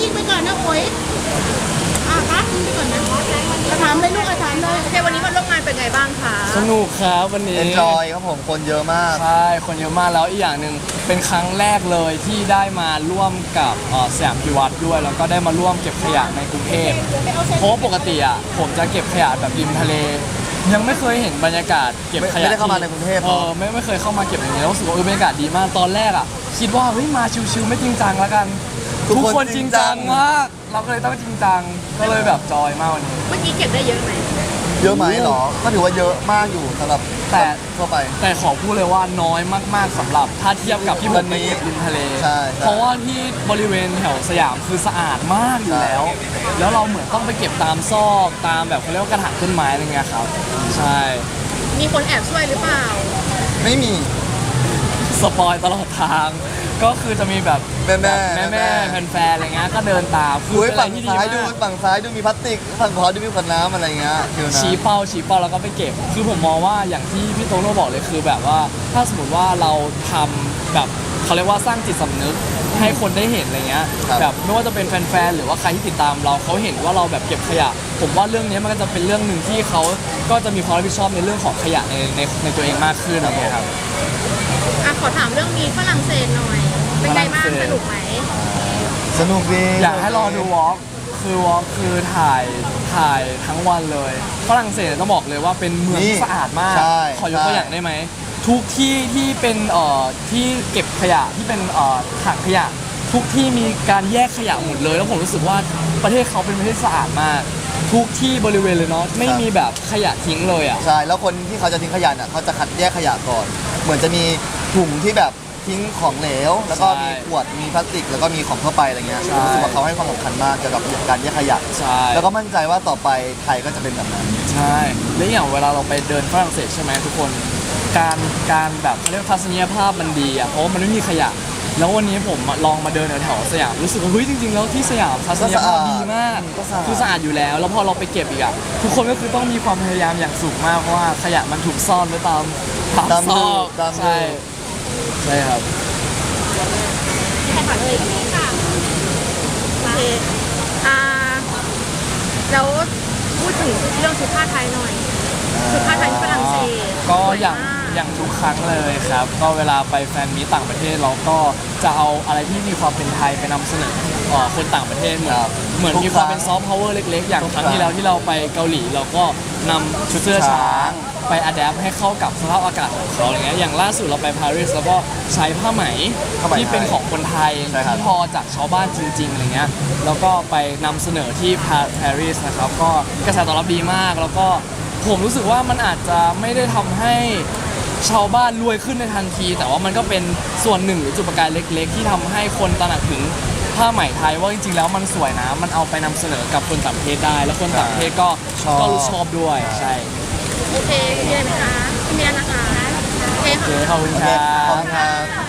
ยิงไปก่อนนะโอ้ยครับยิงไปก่อนนะถามเลยลูกถามเลยโอเควันนี้มาร่วมงานเป็นไงบ้างคะสนุกครับวันนี้ Enjoy ครับผมคนเยอะมากใช่คนเยอะมากแล้วอีกอย่างหนึ่งเป็นครั้งแรกเลยที่ได้มาร่วมกับสยามพิวัตรด้วยแล้วก็ได้มาร่วมเก็บขยะในกรุงเทพเพราะว่าปกติอ่ะผมจะเก็บขยะแบบริมทะเล ยังไม่เคยเห็นบรรยากาศเก็บขยะไม่ได้เข้ามาในกรุงเทพเหรอไม่เคยเข้ามาเก็บอย่างนี้แล้วรู้สึกว่าบรรยากาศดีมากตอนแรกอ่ะคิดว่าเฮ้ยมาชิวๆไม่จริงจังแล้วกันทุกคนจริงจังมากเราก็เลยต้องจริงจังก็เลยแบบจอยมากวันนี้เมื่อกี้เก็บได้เยอะไหมเยอะไหมเหรอ ก็ถือว่าเยอะมากอยู่สำหรับแต่ทั่วไปแต่ขอพูดเลยว่าน้อยมากๆสำหรับถ้าเทียบกับที่ผมไปเก็บริมทะเลใช่เพราะว่าที่บริเวณแถวสยามคือสะอาดมากอยู่แล้ว แล้วเราเหมือนต้องไปเก็บตามซอกตามแบบเขาเรียกว่ากระถางต้นไม้อะไรเงี้ยครับใช่มีคนแอบช่วยหรือเปล่าไม่มีสปอยตลอดทาง ก็คือจะมีแบบแม่แฟนๆอะไรเงี้ยก็เดินตามคืออุ้ยเป็นอะไรฝั่งที่ดีซ้ายมากดูฝั่งซ้ายดูมีพลาสติกฝั่งขวาดูมีขวดน้ำอะไรเงี้ยคือนะชี้เป้าแล้วก็ไปเก็บ คือผมมองว่าอย่างที่พี่โตโน่บอกเลยคือแบบว่าถ้าสมมติว่าเราทำแบบเขาเรียกว่าสร้างจิตสำนึกให้คนได้เห็นอะไรเงี้ยแบบไม่ว่าจะเป็นแฟนๆหรือว่าใครที่ติดตามเราเขาเห็นว่าเราแบบเก็บขยะ ผมว่าเรื่องนี้มันก็จะเป็นเรื่องหนึ่งที่เขาก็จะมีความรับผิดชอบในเรื่องของขยะในตัวเองมากขึ้นอะไรเงี้ยครับขอถามเรื่องมีฝรั่งเศสหน่อย เป็นไงบ้างสนุกไหมสนุกดีอยากให้รอดูวอล์กคือถ่ายทั้งวันเลยฝรั่งเศสต้องบอกเลยว่าเป็นเมืองที่สะอาดมากใช่ขอยกตัวอย่างได้ไหมทุกที่ที่เป็นที่เก็บขยะที่เป็นถังขยะ ทุกที่มีการแยกขยะหมดเลย แล้วผมรู้สึกว่าประเทศเขาเป็นประเทศสะอาดมาก ทุกที่บริเวณเลยเนาะไม่มีแบบขยะทิ้งเลยอ่ะใช่แล้วคนที่เขาจะทิ้งขยะน่ะเขาจะคัดแยกขยะก่อน เหมือนจะมีถุงที่แบบทิ้งของเหลว แล้วก็ใช่มีขวดมีพลาสติกแล้วก็มีของทั่วไปอะไรเงี้ยใช่รู้สึกว่าเขาให้ความสำคัญมากเกี่ยวกับการแยกขยะใช่แล้วก็มั่นใจว่าต่อไปไทยก็จะเป็นแบบนั้นใช่และอย่างเวลาเราไปเดินฝรั่งเศสใช่ไหมทุกคนการแบบเขาเรียกทัศนียภาพมันดีอ่ะเพราะว่ามันไม่มีขยะ แล้ววันนี้ผมลองมาเดินแถวๆสยามรู้สึกว่าเฮ้ยจริงๆแล้วที่สยามทัศนียภาพดีมากก็สะอาดคือสะอาดอยู่แล้ว แล้วพอเราไปเก็บอีกอ่ะทุกคนก็คือต้องมีความพยายามอย่างสูงมากเพราะว่าขยะมันถูกซ่อนไว้ตามซอกตามใช่ใช่ครับใครถามเลยค่ะโอเคแล้วพูดถึงเรื่องชุดผ้าไทยหน่อย ชุดผ้าไทยที่ฝรั่งเศสก็สวยอย่างมกอย่างทุกครั้งเลยครับ ก็เวลาไปแฟนมีตต่างประเทศเราก็จะเอาอะไรที่มีความเป็นไทยไปนำเสนอคนต่างประเทศเหมือนมีความเป็นซอฟต์พาวเวอร์เล็กๆ อย่างครั้งที่แล้วที่เราไปเกาหลีเราก็นำชุดเสื้อช้างไปอัดแอปให้เข้ากับสภาพอากาศของเขาอะไรเงี้ยอย่างล่าสุดเราไปปารีสแล้วก็ใช้ผ้าไหมที่เป็นของคนไทยที่ทอจากชาวบ้านจริงๆอะไรเงี้ยแล้วก็ไปนำเสนอที่ปารีสนะครับก็กระแสตอบรับดีมากแล้วก็ผมรู้สึกว่ามันอาจจะไม่ได้ทำให้ชาวบ้านรวยขึ้นในทันที แต่ว่ามันก็เป็นส่วนหนึ่งหรือจุดประกายเล็กๆ ที่ทำให้คนตระหนักถึงผ้าไหมไทยว่าจริงๆแล้วมันสวยนะมันเอาไปนำเสนอกับคนต่างประเทศได้ แล้วคนต่างประเทศก็รู้ชอบด้วยใช่โอเคมีอะไรไหมคะไม่มีแล้วนะคะโอเคโอเคค่ะขอบคุณโอคเครัขอบบ คุณครับ